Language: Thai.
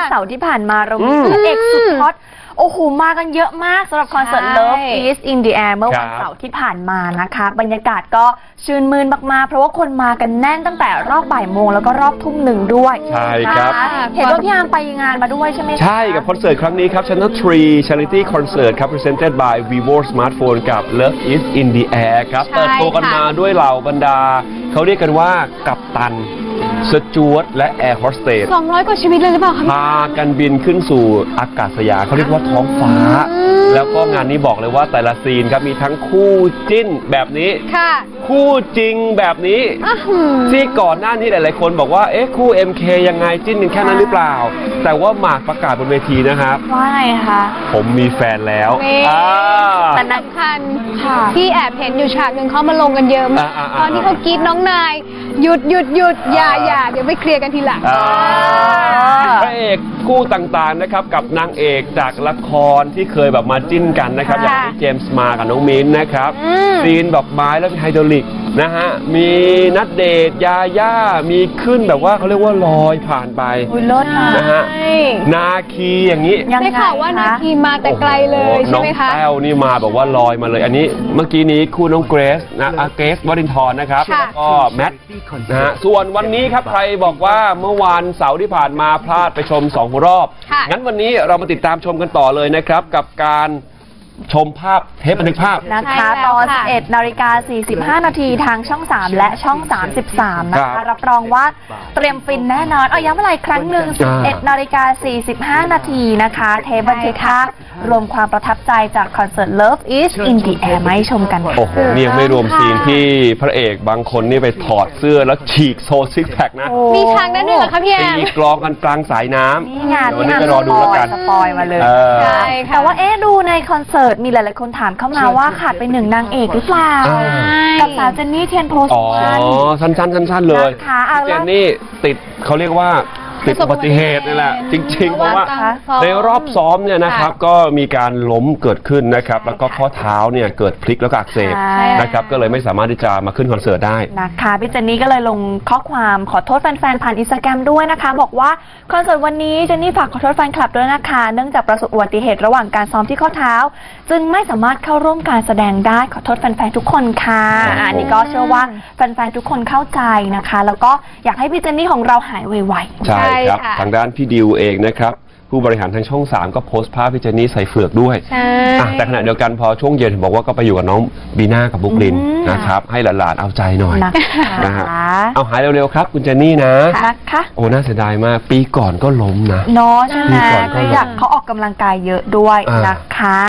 เสาร์ที่ผ่านมาเรามีพระเอกสุดฮอตโอ้โหมากันเยอะมากสำหรับคอนเสิร์ต Love is in the air เมื่อวันเสาร์ที่ผ่านมานะคะบรรยากาศก็ชื่นมื่นมากๆเพราะว่าคนมากันแน่นตั้งแต่รอบบ่ายโมงแล้วก็รอบทุ่มหนึ่งด้วยใช่ครับเห็นว่าพี่อาร์มไปงานมาด้วยใช่ไหมคะใช่กับคอนเสิร์ตครั้งนี้ครับ Channel 3 Charity Concert ครับ Presented by Vivo Smartphone กับ Love is in the air ครับเปิดตัวกันมาด้วยเหล่าบรรดาเขาเรียกกันว่ากัปตันสจวตและแอร์โฮสเตส 200 กว่าชีวิตเลยหรือเปล่าคะพากันบินขึ้นสู่อากาศยานเขาเรียกว่าท้องฟ้าแล้วก็งานนี้บอกเลยว่าแต่ละซีนครับมีทั้งคู่จิ้นแบบนี้คู่จริงแบบนี้ที่ก่อนหน้านี้หลายๆคนบอกว่าเอ๊ะคู่ MK ยังไงจิ้นกันแค่นั้นหรือเปล่าแต่ว่าหมากประกาศบนเวทีนะครับว่าไงคะผมมีแฟนแล้วแต่สำคัญที่แอบเห็นอยู่ฉากหนึ่งเขามาลงกันเยอะมากตอนที่เขากรี๊ดน้องนายหยุดอย่าเดี๋ยวไปเคลียร์กันทีหลังพระเอกคู่ต่างๆนะครับกับนางเอกจากละครที่เคยแบบมาจิ้นกันนะครับอย่างที่เจมส์มากับน้องมิ้นนะครับซีนดอกไม้แล้วมีไฮดรอลิกนะฮะมีณเดชน์ยาย่ามีขึ้นแบบว่าเขาเรียกว่าลอยผ่านไปนะฮะนาคีอย่างนี้ได้ข่าวว่านาคีมาแต่ไกลเลยใช่ไหมคะน้องแต้วนี่มาแบบว่าลอยมาเลยอันนี้เมื่อกี้นี้คู่น้องเกรซนะเกรซวรินทร์นะครับแล้วก็แมทนะฮะส่วนวันนี้ครับใครบอกว่าเมื่อวานเสาร์ที่ผ่านมาพลาดไปชม2 รอบงั้นวันนี้เรามาติดตามชมกันต่อเลยนะครับกับการชมภาพเทปบันทึกภาพนะคะตอน 11:45 น.ทางช่อง 3 และช่อง 33 นะคะรับรองว่าเตรียมฟินแน่นอนย้ำอะไรครั้งหนึ่ง 11:45 น.นะคะเทปบันทึกภาพรวมความประทับใจจากคอนเสิร์ต Love is in the air มาให้ชมกันโอ้โหนี่ยังไม่รวมซีนที่พระเอกบางคนนี่ไปถอดเสื้อแล้วฉีกโซซิกแพคนะมีทางนั้นด้วยเหรอคะพี่แอมตีกลองกันกลางสายน้ำนี่งานวันนี้จะรอดูแล้วกันสปอยมาเลยใช่แต่ว่าดูในคอนเสิร์ตมีหลายๆคนถามเข้ามาว่าขาดไป1 นางเอกหรือเปล่ากับสาวเจนนี่เทียนโพสุวรรณสั้นๆเลยเจนนี่ติดเขาเรียกว่าติดอุบัติเหตุนี่แหละจริงๆเพราะว่าในรอบซ้อมเนี่ยนะครับก็มีการล้มเกิดขึ้นนะครับแล้วก็ข้อเท้าเนี่ยเกิดพลิกแล้วก็อักเสบนะครับก็เลยไม่สามารถที่จะมาขึ้นคอนเสิร์ตได้นะคะพี่เจนนี่ก็เลยลงข้อความขอโทษแฟนๆผ่านInstagramด้วยนะคะบอกว่าคอนเสิร์ตวันนี้เจนนี่ฝากขอโทษแฟนคลับด้วยนะคะเนื่องจากประสบอุบัติเหตุระหว่างการซ้อมที่ข้อเท้าจึงไม่สามารถเข้าร่วมการแสดงได้ขอโทษแฟนๆทุกคนค่ะอันนี้ก็เชื่อว่าแฟนๆทุกคนเข้าใจนะคะแล้วก็อยากให้พี่เจนนี่ของเราหายไวๆใช่ครับทางด้านพี่ดิวเองนะครับผู้บริหารทางช่อง 3ก็โพสต์ภาพพี่เจนนี่ใส่เฟือกด้วยแต่ขณะเดียวกันพอช่วงเย็นบอกว่าก็ไปอยู่กับน้องบีน่ากับบุ๊กลินนะครับให้หลานๆเอาใจหน่อยนะฮะเอาหายเร็วๆครับคุณเจนนี่นะโอ้น่าเสียดายมากปีก่อนก็ล้มนะเนาะใช่ไหมอยากเขาออกกำลังกายเยอะด้วยนะคะ